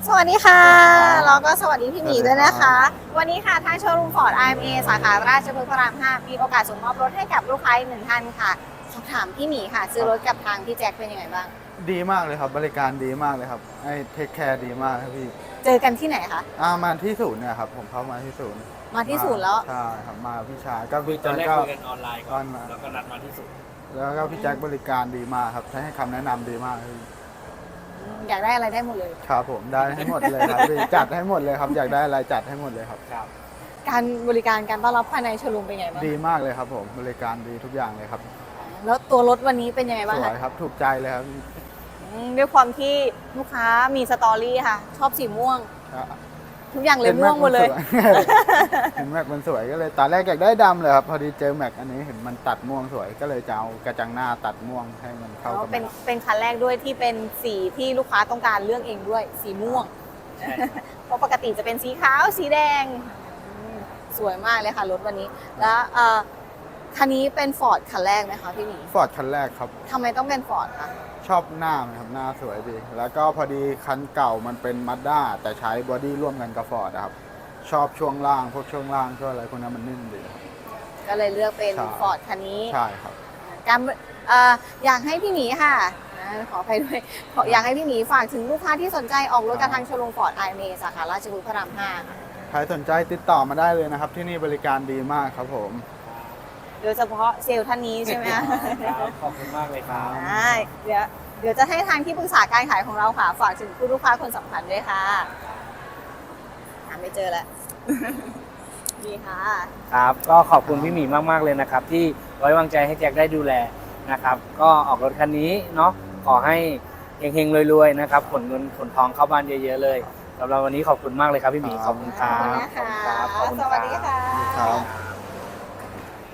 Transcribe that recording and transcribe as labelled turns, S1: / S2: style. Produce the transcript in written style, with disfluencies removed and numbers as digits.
S1: สวัสดีค่ะแล้วก็สวัสดีพี่หมีด้วยนะคะ วันนี้ค่ะทางโชว์รูมฟอร์ด IMA สาขาราชพฤกษ์พระราม 5 มีโอกาสส่งมอบรถให้กับลูกค้าอีกหนึ่งท่านค่ะสอบถามพี่หมีค่ะ ซื้อรถกับทางพี่แจ็คเป็นยังไงบ้าง
S2: ดีมากเลยครับบริการดีมากเลยครับให้เทคแคร์ดีมากครับพี่
S1: เจอกันที่ไหนคะ
S2: มาที่ศูนย์เนี่ยครับผมเข้ามาที่ศูนย์
S1: มาที่ศูนย์แล้ว
S2: ใช่ครับมาพี่ชายก็พี่
S3: ตอน
S2: แจ็ค
S3: แรก
S2: ก็
S3: คุยกันออนไลน์ก่อนแล้วก็นัดมาที่สุด
S2: แล้วก็พี่แจ็คบริการดีมากครับให้คำแนะนำดีมากครับพี่
S1: อยากได้อะไรได้หมดเลย
S2: ครับผมได้ให้หมดเลยครับพี่จัดให้หมดเลยครับอยากได้อะไรจัดให้หมดเลยครับ
S3: ครับ
S1: การบริการการต้อนรับภายในโชว์รูมเป็นยังไงบ้าง
S2: ดีมากเลยครับผมบริการดีทุกอย่างเลยครับ
S1: แล้วตัวรถวันนี้เป็นยังไงบ้าง
S2: สว
S1: คะ
S2: ยครับถูกใจเลยครับ
S1: ด้วยความที่ลูกค้ามีสตอรี่ค่ะ ชอบสีม่วง
S2: อ่ะ
S1: ทุกอย่างเลยม่วงหมดเลย
S2: เห็นแม็กมันสวยก็เลยตอนแรกอยากได้ดำเลยครับพอดีเจอแม็กอันนี้เห็นมันตัดม่วงสวยก็เลยจะเอากระจังหน้าตัดม่วงให้มันเข้ากับ
S1: เป็นคันแรกด้วยที่เป็นสีที่ลูกค้าต้องการเลือกเองด้วยสีม่วง
S3: ใช่
S1: เพราะปกติจะเป็นสีขาวสีแดงสวยมากเลยค่ะรถวันนี้ แล้วคันนี้เป็นฟอร์ดคันแรกไหมคะพี่หมี
S2: ฟอร์ดคันแรกครับ
S1: ทำไมต้องเป็นฟอร์ดคะ
S2: ชอบหน้ามันครับหน้าสวยดี แล้วก็พอดีคันเก่ามันเป็นมาด้าแต่ใช้บอดี้ร่วมกันกับฟอร์ดครับ ชอบช่วงล่างพวกช่วงล่างช่วงอะไรพวกนั้นมันนิ่มดีครับ
S1: ก็เลยเลือกเป็น
S2: ใช่
S1: ฟอร์ดคันนี้
S2: ใช่ครับ
S1: การอยากให้พี่หมีค่ะขอไปด้วยอยากให้พี่หมีฝากถึงลูกค้าที่สนใจออกรถกับทางโชว์รูมฟอร์ดไอเมสาขาราชพฤกษ์พระราม 5 ค่ะ
S2: ใครสนใจติดต่อมาได้เลยนะครับ ที่นี่บริการดีมากครับผม
S1: โดยเฉพาะเซลล์ท่านนี้ใช่ไหมคะ
S3: ครับขอบคุณมากเลยครับ
S1: ได้เดี๋ยวจะให้ทางที่ปรึกษาการขายของเราค่ะ ฝากถึงผู้ลูกค้าคนสำคัญด้วยค่ะหาไม่เจอแล้ว ดีค่ะ
S3: ครับก็ขอบคุณพี่หมีมากๆเลยนะครับ ที่ไว้วางใจให้แจ็คได้ดูแลนะครับ ก็ออกรถคันนี้เนาะขอให้เฮงๆรวยๆนะครับขนเงินขนทองเข้าบ้านเยอะๆเลยสำหรับวันนี้ขอบคุณมากเลยครับพี่หมีขอบคุณค
S1: ข
S3: รั
S1: อบบ คุณนะคะ
S3: ขอบคุณครับ
S1: สวัสดีค่ะ
S2: ครับ